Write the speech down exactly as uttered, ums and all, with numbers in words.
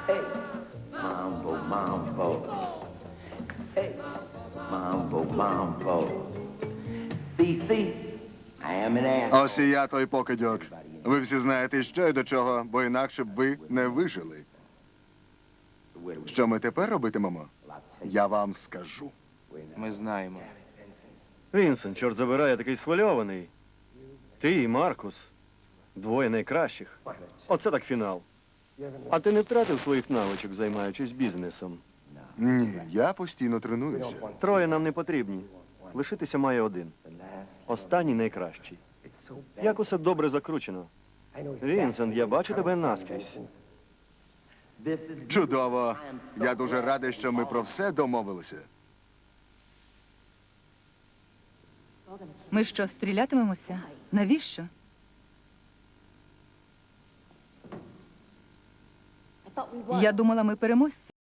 Hey, mambo, mambo. Hey, mambo, mambo. See, see, I am an asshole. Ось і я той покидьок. Ви всі знаєте, що й до чого, бо інакше б ви не вижили. Що ми тепер робитимемо? Я вам скажу. Ми знаємо. Вінсен, чорт забирай, я такий схвильований. Ти і Маркус. Двоє найкращих. Оце так фінал. А ти не втратив своїх навичок, займаючись бізнесом? Ні, я постійно тренуюся. Троє нам не потрібні. Лишитися має один. Останній найкращий. Як усе добре закручено. Вінсент, я бачу тебе наскрізь. Чудово. Я дуже радий, що ми про все домовилися. Ми що, стрілятимемося? Навіщо? Я думала, ми переможці.